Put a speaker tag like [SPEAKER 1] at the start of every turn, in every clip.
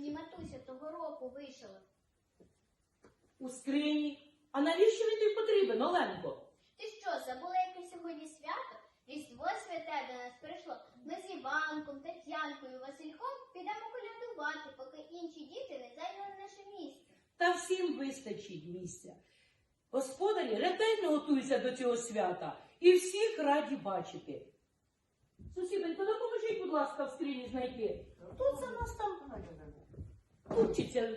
[SPEAKER 1] мені матуся того року вишила?
[SPEAKER 2] У скрині. А навіщо він тобі потрібен, Оленко?
[SPEAKER 1] Ти що, забула, яке сьогодні свято? Різдво святе до нас прийшло. Ми з Іванком, Тетянкою, Васильком підемо колядувати, поки інші діти не зайняли наше місце.
[SPEAKER 2] Та всім вистачить місця. Господарі ретельно готуються до цього свята і всіх раді бачити. Сусідонько, допоможіть, будь ласка, в скрині знайти. Тут за нас там купчиться.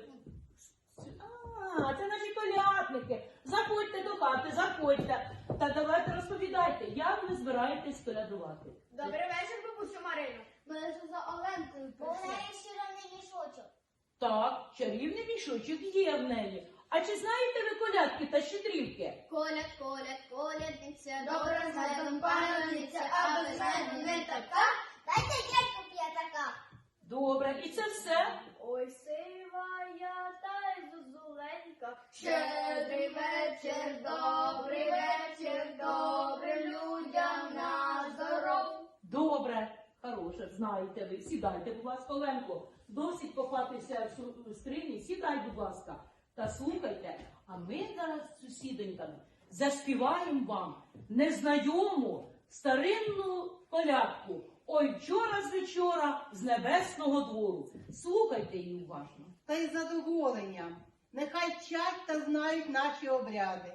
[SPEAKER 2] А, це наші колядники. Заходьте до хати, заходьте. Та давайте розповідайте, як ви збираєтесь колядувати.
[SPEAKER 1] Добрий вечір, бабусю Марино. Ми лише за Оленкою прийшли. Чарівний мішочок.
[SPEAKER 2] Так, чарівний мішочок є в неї. А чи знаєте ви колядки та щедрівки?
[SPEAKER 1] Коляд, коляд, колядниця, добра з медом паляниця, а без меду не така. Дайте дядьку п'ятака.
[SPEAKER 2] Добре, і це все?
[SPEAKER 1] Ой, сива я та й зозуленька, щедрий вечір, добрий вечір, добрим людям на здоров.
[SPEAKER 2] Добре, хороше, знаєте ви. Сідайте, будь ласка, Оленко. Досить копатися в скрині, сідай, будь ласка. Та слухайте, а ми зараз з сусідоньками заспіваємо вам незнайому старинну колядку. Ой, вчора з вечора з небесного двору. Слухайте її уважно.
[SPEAKER 3] Та й задоволенням. Нехай вчать та знають наші обряди.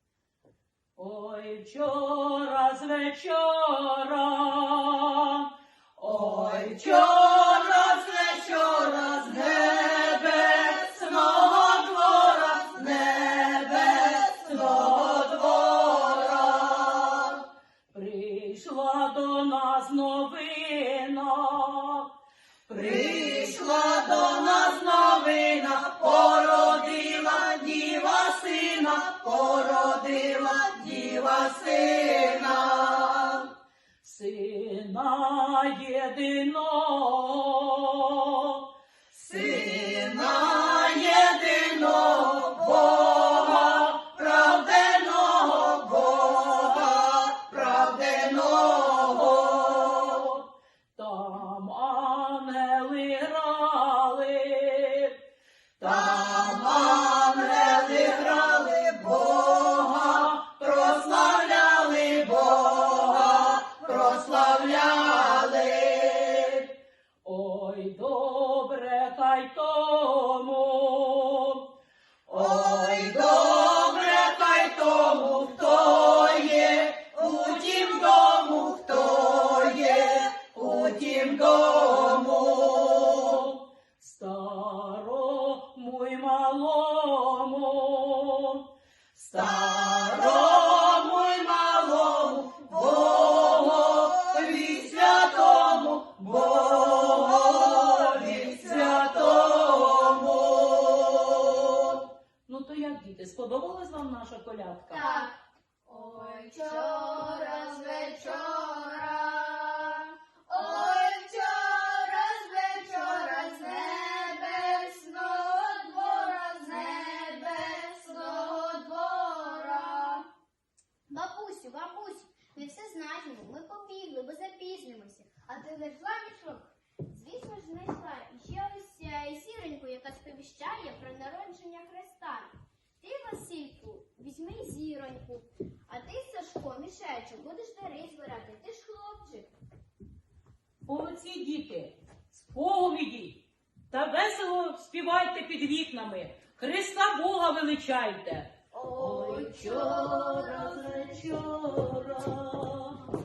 [SPEAKER 2] Ой, вчора з вечора, ой, вчора з вечора з небесного двора, з небесного двора прийшла до нас новина, прийшла до нас новина, породила діва сина, породила діва сина, сина єдиного, сина єдиного, Бога правденого, Бога правденого. Там ангели грали, там ангели грали, Бога прославляли, Бога прославляли. Ой, добре хай тому, ой, добре хай тому, хто є у тім дому, хто є у тім дому. Старому й малому, старому й малому, Богові святому, Богові святому. Ну то як, діти, сподобалась вам наша колядка?
[SPEAKER 1] Так. Ой, вчора з вечора, ой, вчора з вечора з небесного двора, з небесного двора. Бабусю, бабусю, ми все знаємо, ми побігли, бо запізнимося. А ти знайшла мішок? Звісно ж знайшла. І ще ось сіреньку, яка сповіщає про народження Христа. Ти, Васильку, візьми зіроньку, а ти, Сашко, мішечок, будеш дари збирати, ти ж хлопчик.
[SPEAKER 2] Молодці діти, сповіді та весело співайте під вікнами. Христа Бога величайте.
[SPEAKER 1] Ой,
[SPEAKER 2] вчора з вечора,